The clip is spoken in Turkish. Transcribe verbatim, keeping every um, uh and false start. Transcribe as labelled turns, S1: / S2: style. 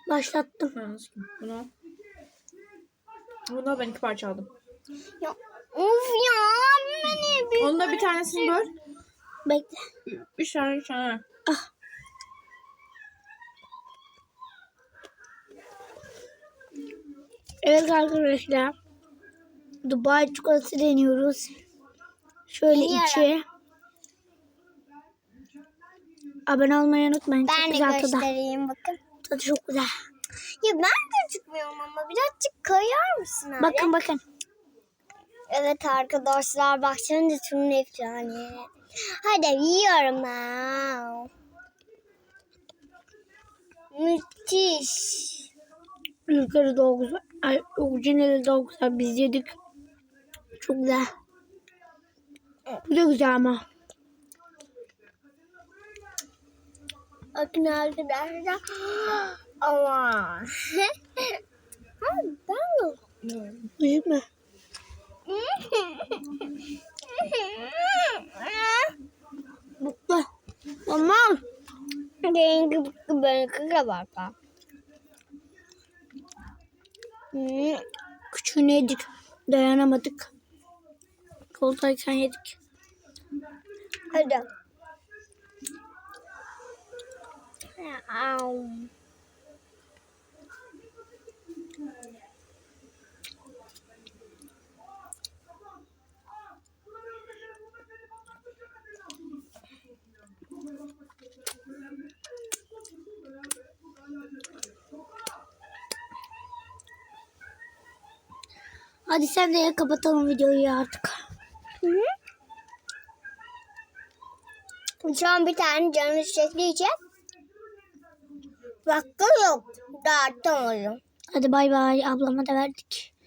S1: Başlattım.
S2: Ha, Bunu. Bunu ben iki parça aldım.
S3: Ya, of ya. Beni bir...
S2: Onu da bir tanesini böl.
S1: Bekle.
S2: Üç tane, üç tane.
S1: Ah. Evet arkadaşlar. Dubai çikolatası deniyoruz. Şöyle
S3: Deniyorum.
S1: içi. Abone olmayı unutmayın.
S3: Ben
S1: çok
S3: de
S1: güzel tadı.
S3: göstereyim bakın.
S1: Tadı çok güzel.
S3: Ya ben gözükmüyorum ama birazcık kayar mısın abi?
S1: Bakın bakın.
S3: Evet arkadaşlar baksanıza şunun efsane. Hadi yiyorum ben. Müthiş.
S1: Yukarı daha güzel. Ay, orijinali daha güzel. Biz yedik. Çok güzel. Bu da güzel ama.
S3: Bakın arkadaşlar. Ama. Abi ben de.
S1: Büyük mü? Mutlu. Tamam.
S3: Rengi bıkkı benimki de var. Hmm.
S1: Küçüğünü yedik. Dayanamadık. Koldayken yedik.
S3: Hadi. Au.
S1: Hadi sen de ya, kapatalım videoyu artık.
S3: Hı hı. Şu an bir tane canı çektiği Vakti yok. Dağıttım onu.
S1: Hadi bay bay. Ablama da verdik.